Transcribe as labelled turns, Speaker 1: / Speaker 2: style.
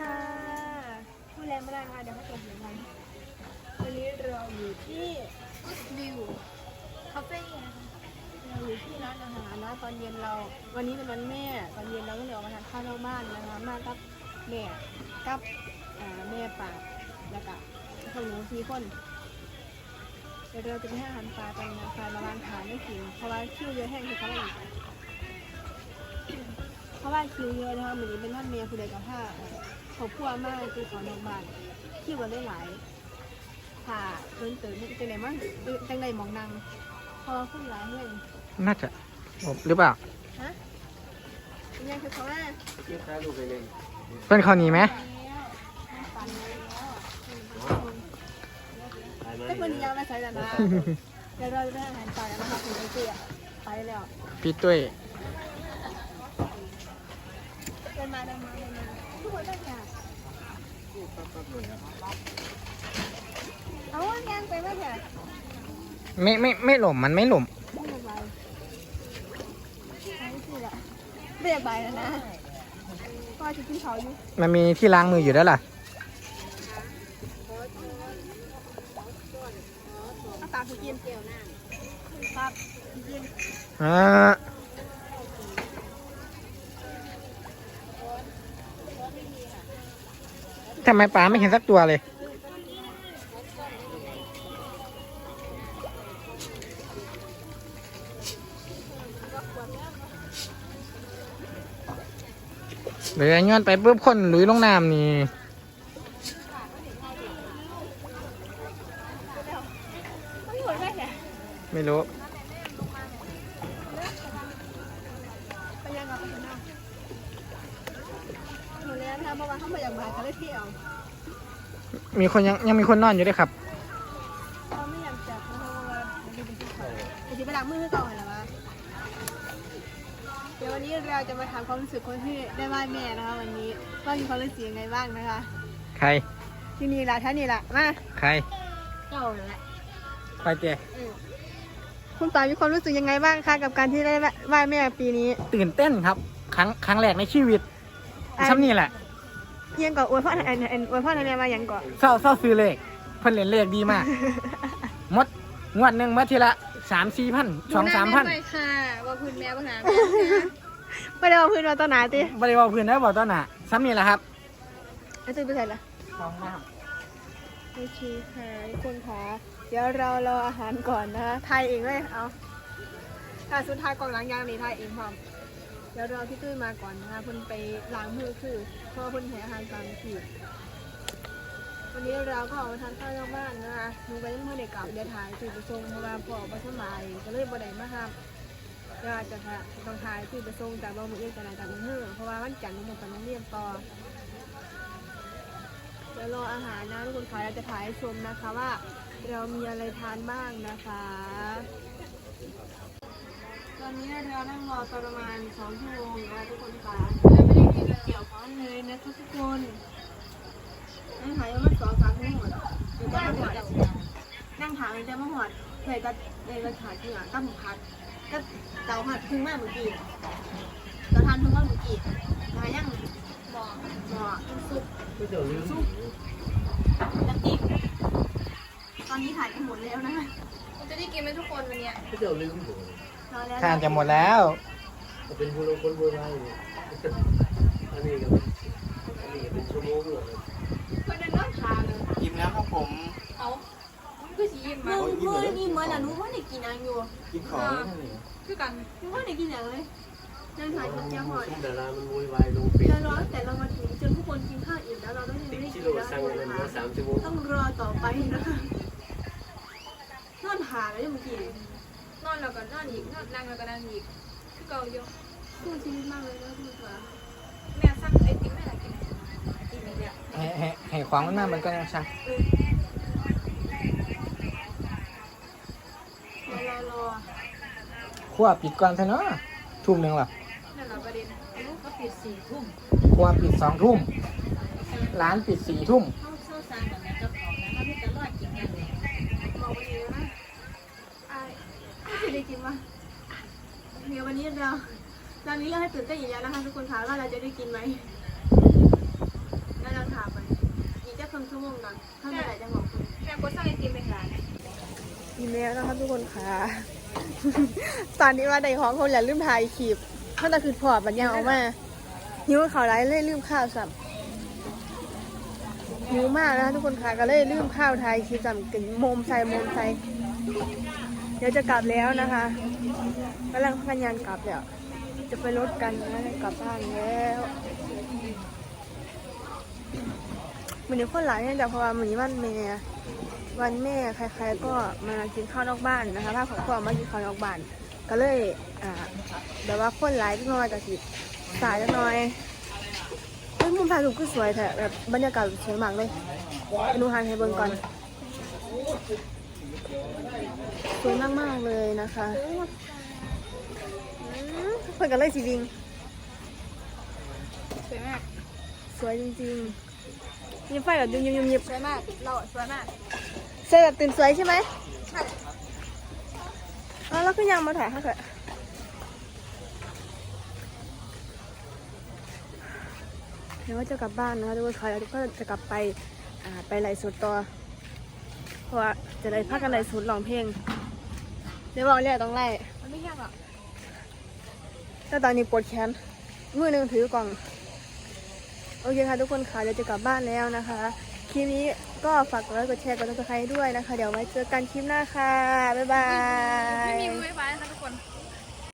Speaker 1: ค่ะผู้แรงไม่ได้ค่ะเดี๋ยวเขาจะเสียงกันวันนี้เราอยู่ที่วิวคาเฟ่นะคะเราอยู่ที่ร้านอาหารนะตอนเย็นเราวันนี้เป็นวันแม่ตอนเย็นเราก็เลยออกมาทานข้าวนอกบ้านนะคะมากับแม่กับแม่ป่าแล้วก็พวกหนู4 คนเดี๋ยวเราจะไปให้อาหารปลากันนะคะมาล้างขาไม่กินเพราะว่าคิวเยอะแห้งคือเขาเลยเพราะว่าคิวเยอะนะคะเหมือนเป็นท่านเมียผู้ใดกับผ้าเขาพัวมากคือขอนอกบ้านคิวกันได้หลายค่ะเพิ่นเติมจังไหนมั้งจังไหนมองนางพอขึ้นหลายเรื่อง
Speaker 2: น่าจะหรือเปล่า
Speaker 1: ฮะยังคือเขาว่า
Speaker 2: เป็นข้าวหนีไหม
Speaker 1: แต่คนนี้ยังไม่ใช่แล้วนะเดี๋ยวเราจะได้อาหารปลาแล้วนะคะคุณไอเจียไปแล้ว
Speaker 2: พี่ตุ้ย
Speaker 1: เดินมาทุกคนได้ค่ะเอาแกงไปไหมเถอะ
Speaker 2: ไม่หล่มมันไม่หล่ม
Speaker 1: ไม่เป็นไรไม่อยากใบแล้วนะพ่อจะกินเขาอยู่
Speaker 2: มันมีที่ล้างมืออยู่แล้วล่ะ
Speaker 1: เอาตาคือกินเกี่ยวหน้าครับกิน
Speaker 2: ทำไมปลาไม่เห็นสักตัวเลยเดี๋ยวย้อนไปปุ๊บคนหลุยลงน้ำนี่
Speaker 1: ไม่หมดได้แค่
Speaker 2: ไม่รู้
Speaker 1: ไปยังกับไปยังน้ำหมดแล้วนะเมื่อวานเขามาอย่างบ่ายเขาได้เที่ยว
Speaker 2: มีคนยังมีคนนอนอยู่ด้วยครับ
Speaker 1: เขาไม่อยากจับเพราะว่ามันเป็นที่เขาไอ้ที่ไปล้างมือให้ก่อนเหรอวะเดี๋ยววันนี้เราจะมาถามความรู้สึกคนที่ได้ไหว้แม่นะคะวันนี้ว่ามีความรู้สึกยังไงบ้างนะคะ
Speaker 2: ใคร
Speaker 1: ที่นี่ละท่านนี่ละมา
Speaker 2: ใคร
Speaker 1: เจ้าเลยแหละ
Speaker 2: ไปเจ๊
Speaker 1: คุณป๋ามีความรู้สึกยังไงบ้างคะกับการที่ได้ไหว้แม่ปีนี้
Speaker 2: ตื่นเต้นครับ ครั้งแรกในชีวิตซ้ำนี่แหละ
Speaker 1: ยังก่อนอวยพ่ออวยพ่อในแม่มาอย่างก่อน
Speaker 2: เศร้าซื้อเลขเพิ่นเล่นเลขดีมาก มดงวดหนึ่งมาทีละ3-4 พัน2-3 พัน
Speaker 1: ไม่ค่ะว่าพื้นแม่ปัญหาไม่ได้ว่าพื้นเราต้นหนาติ
Speaker 2: บริวารพื้นได้บอกตอนน่ะซ้ำนี่แหละครับ
Speaker 1: ไอ้ตื่นไปใส่ละ
Speaker 2: สองน้
Speaker 1: โอเคค่ะทุกคนค่ะเดี๋ยวเรารออาหารก่อนนะคะไทยเองเลยเอาค่ะสุดท้ายกองหลังยางนี่ไทยเองพร้อมเดี๋ยวรอพี่ตุ้ยมาก่อนนะคะเพิ่นไปล้างมือคือเพราะว่าเพิ่นแห่อาหารตามที่วันนี้เราก็ออกมาทานข้าวนอกบ้านนะคะหนูไปเมื่อเด็กกลับเดี๋ยวถ่ายตื่นไปส่งเพราะว่าพ่อบ่สบายก็เลยบ่ได้มาครับก็จะต้องถ่ายตื่นไปส่งจากบ้านมือเอื้อกันจากมือเพราะว่าวันจันทร์หนูต้องไปเรียนต่อเดี๋ยวรออาหารนะทุกคนค่ะเราจะถ่ายให้ชมนะคะว่าเรามีอะไรทานบ้างนะคะตอนนี้เรานั่งรอประมาณ2 ชั่วโมงนะทุกคนค่ะเราไม่ได้กินเกี่ยวข้าวเลยนะทุกคนนั่งถ่ายยังไม่2-3 ชั่วโมงเดี๋ยวจะมาหอดนั่งถ่ายมันจะมาหอดเคยก็เลยมาถ่ายที่หลังตั้งพัดก็เตาผัดพึ่งมากเมื่อกี้เตาทานพึ่งมากเมื่อกี้ถ่ายยังหม้อซุปน้ำจิ้มตอนนี้ถ่ายกันหมดแล้วนะคะจะได้กินไหมทุกคนวันนี้
Speaker 3: ก็เดี๋ยวลืมผม
Speaker 2: ำทานจะหมดแล้ว
Speaker 3: เป็นผู้ลงคนโบราณอันนี้ก็เป็นชั่วโมงเลย
Speaker 1: คนนั้นน้องทานเลย
Speaker 2: อิ่มแล้วครับผม
Speaker 1: เอามันก็สียิ้มมาเมื่อนี่เมื่อน่ะรู้ว่าได้กินอะไรอยู่
Speaker 2: กินของ
Speaker 1: คือกันรู้ว่าได้กินอะไรเลยนั่งถ่ายกับเจ้าหอย
Speaker 3: ดารามันโวยวายลงปิด
Speaker 1: จะรอแต่เรามาถึงจนทุกคนกินข้าวอิ่มแล้วเราก็ยัง
Speaker 3: ติ
Speaker 1: ไม่
Speaker 3: ด
Speaker 1: ได้
Speaker 3: กิ
Speaker 1: กิน
Speaker 3: โล
Speaker 1: แล้ว
Speaker 3: สั่ง
Speaker 1: ทุก
Speaker 3: เงิ
Speaker 1: คน น
Speaker 3: มา
Speaker 1: ค่ะ
Speaker 3: 3 ชั่วโมง
Speaker 1: ต้องรอต่อไปนะคะนอนหาแล้วยังเมื่อกี้
Speaker 4: นอนแล้วก็นอนอีกนอนนั่งแล้วก็นั่งอีกคือเก่าอยู่
Speaker 1: สู้ชีวิตมากเลยนะทุกคน
Speaker 4: แม่สั่งไอติมไม่ได้กินไอติมอีกแล้ว
Speaker 2: ให้ความมันมากมันก็ยังช่าง
Speaker 1: เดี๋ยวเรารอ
Speaker 2: ขั้วปิดก่อนซะเนาะทุ่มหนึ่งหรอ
Speaker 4: นั่นแหละประเด็นลูกก็ปิด4 ทุ่ม
Speaker 2: ขั้วปิด2 ทุ่มร้านปิด4 ทุ่ม
Speaker 4: เข้าซานกับแม่เจ้าของนะถ้าพี่จะรอดกินอย่างนี้
Speaker 1: บอกวันนี้นะไอ้ไม่ได้กินวะเดี๋ยววันนี้เราตอนนี้เราให้ตื่นเต้นอีกแล้วนะคะทุกคนค่ะว่าเราจะได้กินไหมแล้วเรา
Speaker 4: งงนะถ้าไม่ได้จังหวะคุณแม่ก็สั่งไอติมไปขาย
Speaker 1: กินแล้วนะครับทุกคนค่ะ ตอนนี้ว่าในห้องคนอย่าลืมถ่ายคลิปถ้าแต่คือพอบัญญัติออกมาหิวข่าวร้ายเลยลืมข้าวสับหิวมากนะคะทุกคนค่ะก็เลยลืมข้าวถ่ายคลิปสับกินโมมใส่เดี๋ยวจะกลับแล้วนะคะกำลังพยายามกลับแล้วจะไปรถกันนะกลับบ้านแล้ววันนี้คนหลายเนี่ยแต่เพราะว่าวันนี้วันแม่ใครๆก็มากินข้าวนอกบ้านนะคะถ้าของพ่อมากินข้าวนอกบ้านก็เลยแบบว่าคนหลายที่มาจากสิสายจังหน่อยเฮ้ยมุมถ่ายรูปก็สวยแท้แบบบรรยากาศสวยมากเลยไปดูทางไทยเบิร์ก่อนสวยมากๆเลยนะคะเพื่อนกันเลยสิวิง
Speaker 4: สวยมาก
Speaker 1: สวยจริงๆยิ้มไฟแบบยิบ
Speaker 4: สวยมากเราสวยมาก
Speaker 1: ๆสวยแบบตื่นสวยใช่ไหมใช่แล้วก็ยังมาถ่ายให้เถอะเดี๋ยวว่าจะกลับบ้านนะคะทุกคนค่ะแล้วก็จะกลับไปไปไลฟ์สดต่อเพราะว่าจะได้พักกันไลฟ์สดร้องเพลงเดี๋ยวบอกเรียกต้องไล่
Speaker 4: มันไม่แห้งหรอก
Speaker 1: แต่ตอนนี้ปวดแขนมือหนึ่งถือกล่องโอเคค่ะทุกคนค่ะเดี๋ยวจะกลับบ้านแล้วนะคะคลิปนี้ก็ฝากกดไลค์กดแชร์กดติดตามด้วยนะคะเดี๋ยวไว้เจอกันคลิปหน้าค่ะบ๊ายบาย
Speaker 4: ไม่มีมือไฟฟ้านะคะทุกคน